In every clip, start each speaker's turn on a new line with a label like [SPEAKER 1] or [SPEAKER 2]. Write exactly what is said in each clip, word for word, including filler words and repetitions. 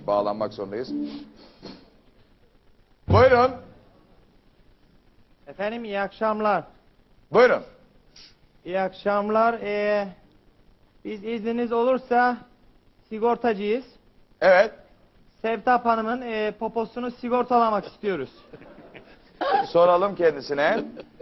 [SPEAKER 1] bağlanmak zorundayız. Buyurun.
[SPEAKER 2] Efendim iyi akşamlar.
[SPEAKER 1] Buyurun.
[SPEAKER 2] İyi akşamlar. Ee, biz izniniz olursa sigortacıyız.
[SPEAKER 1] Evet.
[SPEAKER 2] Sevtap Hanım'ın e, poposunu sigortalamak istiyoruz.
[SPEAKER 1] Soralım kendisine.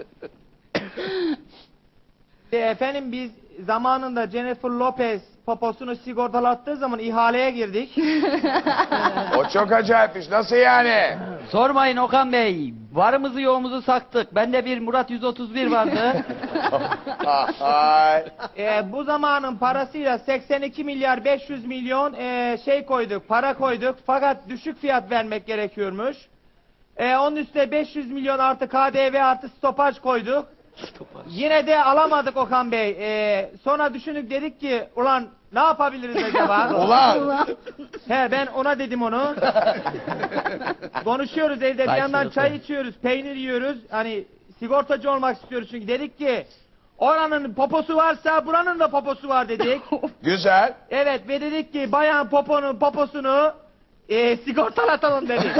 [SPEAKER 2] E, efendim biz zamanında Jennifer Lopez poposunu sigortalattığı zaman ihaleye girdik.
[SPEAKER 1] O çok acayipmiş. Nasıl yani?
[SPEAKER 3] Sormayın Okan Bey. Varımızı yoğumuzu saktık. Bende bir Murat yüz otuz bir vardı.
[SPEAKER 1] Ay.
[SPEAKER 2] E, bu zamanın parasıyla seksen iki milyar beş yüz milyon e, şey koyduk, para koyduk. Fakat düşük fiyat vermek gerekiyormuş. E, onun üstüne beş yüz milyon artı K D V artı stopaj koyduk. Yine de alamadık Okan Bey. E, sonra düşündük, dedik ki ulan ne yapabiliriz acaba?
[SPEAKER 1] Ulan.
[SPEAKER 2] He, ben ona dedim onu. Konuşuyoruz evde, bir yandan çay içiyoruz, peynir yiyoruz. Hani sigortacı olmak istiyoruz çünkü. Dedik ki oranın poposu varsa buranın da poposu var dedik.
[SPEAKER 1] Güzel.
[SPEAKER 2] Evet, ve dedik ki bayan poponun poposunu e, sigortalatalım dedik.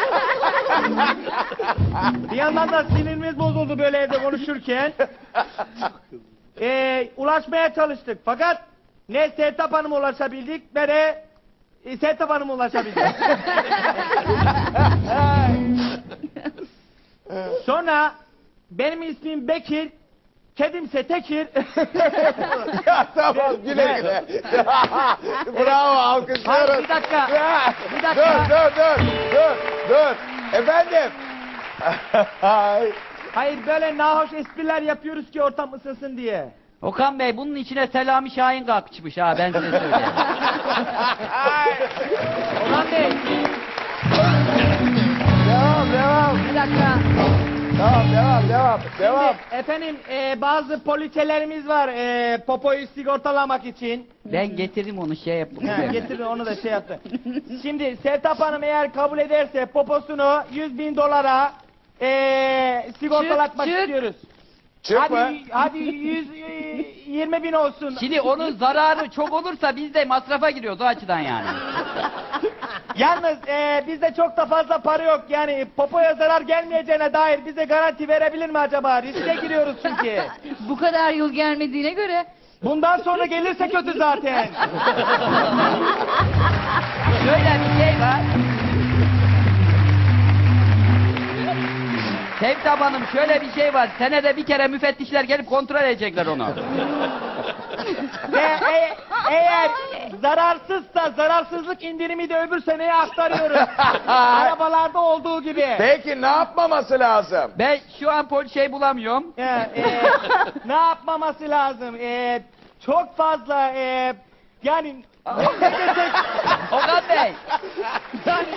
[SPEAKER 2] Bir yandan da sinirimiz bozuldu böyle evde konuşurken. E, ulaşmaya çalıştık fakat ne Sevtap Hanım'a ulaşabildik ne de e, Sevtap Hanım'a ulaşabildik. Sonra benim ismim Bekir, kedimse Tekir.
[SPEAKER 1] Ya tamam, güle güle. Bravo, alkışlıyoruz.
[SPEAKER 2] Hayır, bir dakika. Bir dakika.
[SPEAKER 1] Dur, dur, dur, dur, dur. Efendim. Ay.
[SPEAKER 2] Hayır, böyle nahoş espriler yapıyoruz ki ortam ısınsın diye.
[SPEAKER 3] Okan Bey bunun içine Selami Şahin kalkışmış ha, ben size söyleyeyim.
[SPEAKER 2] Orhan Bey.
[SPEAKER 1] Devam, devam.
[SPEAKER 2] Bir dakika.
[SPEAKER 1] Tamam, devam, devam, devam.
[SPEAKER 2] Şimdi, efendim e, bazı poliçelerimiz var e, popoyu sigortalamak için.
[SPEAKER 3] Ben getirdim onu, şey yaptım.
[SPEAKER 2] Ha, getirin onu da şey yaptı. Şimdi Sevtap Hanım eğer kabul ederse poposunu yüz bin dolara e, sigortalatmak
[SPEAKER 4] Çık, çık.
[SPEAKER 2] istiyoruz.
[SPEAKER 1] Çıkma.
[SPEAKER 2] Hadi, hadi yüz yirmi bin olsun.
[SPEAKER 3] Şimdi onun zararı çok olursa biz de masrafa giriyoruz o açıdan yani.
[SPEAKER 2] Yalnız e, bizde çok da fazla para yok. Yani popoya zarar gelmeyeceğine dair bize garanti verebilir mi acaba? Riske giriyoruz çünkü.
[SPEAKER 4] Bu kadar yıl gelmediğine göre
[SPEAKER 2] Bundan sonra gelirse kötü zaten.
[SPEAKER 3] Şöyle bir şey var. Sevtap Hanım, şöyle bir şey var. Senede bir kere müfettişler gelip kontrol edecekler onu.
[SPEAKER 2] Ve e- eğer zararsızsa zararsızlık indirimi de öbür seneye aktarıyoruz. Arabalarda olduğu gibi.
[SPEAKER 1] Peki ne yapmaması lazım?
[SPEAKER 3] Ben şu an pol şey bulamıyorum.
[SPEAKER 2] E, e, ne yapmaması lazım? E, çok fazla e, yani ne desek
[SPEAKER 3] Okan Bey.
[SPEAKER 2] yani,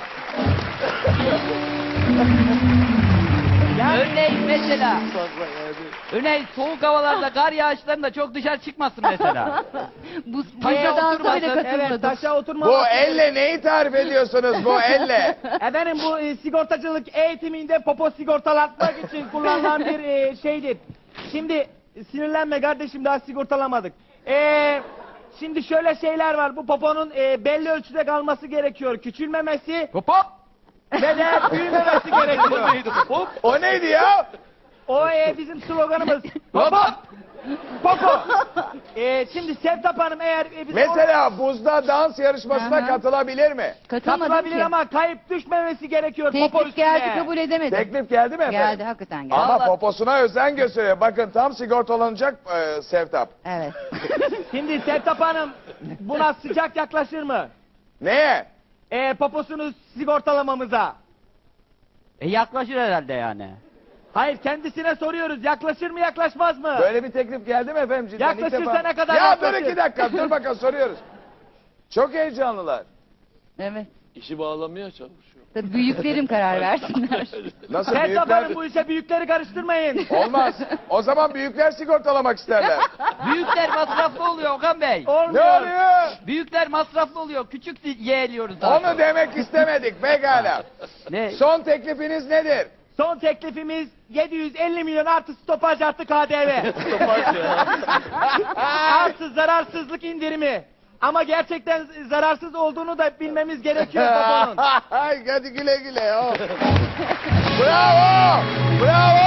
[SPEAKER 2] yani
[SPEAKER 3] Örneğin mesela. Örneğin soğuk havalarda, kar yağışlarında çok dışarı çıkmasın mesela.
[SPEAKER 4] bu
[SPEAKER 3] Taşa
[SPEAKER 4] bu dansa bile
[SPEAKER 3] oturmasın,
[SPEAKER 2] evet,
[SPEAKER 4] katılmadım.
[SPEAKER 2] taşa oturma.
[SPEAKER 1] Bu elle neyi tarif ediyorsunuz bu elle?
[SPEAKER 2] Efendim bu e, sigortacılık eğitiminde popo sigortalatmak için kullanılan bir e, şeydir. Şimdi sinirlenme kardeşim, daha sigortalamadık. E, şimdi şöyle şeyler var, bu poponun e, belli ölçüde kalması gerekiyor. Küçülmemesi
[SPEAKER 3] Hop hop.
[SPEAKER 2] ve de büyümemesi gerekiyor.
[SPEAKER 3] Hop.
[SPEAKER 1] O neydi ya?
[SPEAKER 2] O e, bizim sloganımız.
[SPEAKER 3] Hop hop.
[SPEAKER 2] Popo. E, şimdi Sevtap Hanım eğer e, bize
[SPEAKER 1] Mesela buzda dans yarışmasına
[SPEAKER 4] Aha.
[SPEAKER 1] katılabilir mi?
[SPEAKER 4] Katılmadım
[SPEAKER 2] katılabilir
[SPEAKER 4] ki.
[SPEAKER 2] ama kayıp düşmemesi gerekiyor popo
[SPEAKER 4] Teklif
[SPEAKER 2] üstüne.
[SPEAKER 4] geldi, kabul edemedim.
[SPEAKER 1] Teklif geldi mi efendim?
[SPEAKER 4] Geldi, hakikaten geldi.
[SPEAKER 1] Ama
[SPEAKER 3] Allah-
[SPEAKER 1] poposuna özen gösteriyor. Bakın tam sigortalanacak e, Sevtap.
[SPEAKER 4] Evet.
[SPEAKER 2] Şimdi Sevtap Hanım buna sıcak yaklaşır mı?
[SPEAKER 1] Neye?
[SPEAKER 2] E, poposunu sigortalamamıza.
[SPEAKER 3] E yaklaşır herhalde yani.
[SPEAKER 2] Hayır, kendisine soruyoruz. Yaklaşır mı, yaklaşmaz mı?
[SPEAKER 1] Böyle bir teklif geldi mi efendim? Cidden ilk
[SPEAKER 2] Yaklaşırsa
[SPEAKER 1] defa-
[SPEAKER 2] ne kadar
[SPEAKER 1] Ya
[SPEAKER 2] yaklaşır?
[SPEAKER 1] dur iki dakika, dur bakalım soruyoruz. Çok heyecanlılar.
[SPEAKER 4] Evet.
[SPEAKER 5] İşi bağlamaya çalışıyor.
[SPEAKER 4] Tabii büyüklerim karar versinler.
[SPEAKER 1] Nasıl
[SPEAKER 2] Sevtap
[SPEAKER 1] büyükler?
[SPEAKER 2] Hanım bu işe büyükleri karıştırmayın.
[SPEAKER 1] Olmaz. O zaman büyükler sigortalamak isterler.
[SPEAKER 3] Büyükler masraflı oluyor Okan Bey.
[SPEAKER 1] Ne
[SPEAKER 2] Olmuyor.
[SPEAKER 1] oluyor?
[SPEAKER 3] Büyükler masraflı oluyor. Küçük yeğliyoruz daha
[SPEAKER 1] Onu
[SPEAKER 3] çok.
[SPEAKER 1] demek istemedik pekala.
[SPEAKER 3] Ne?
[SPEAKER 1] Son teklifiniz nedir?
[SPEAKER 2] Son teklifimiz yedi yüz elli milyon artı stopaj artı K D V. Artı zararsızlık indirimi. Ama gerçekten zararsız olduğunu da bilmemiz gerekiyor babamın.
[SPEAKER 1] Hadi güle güle. Oh. Bravo! Bravo!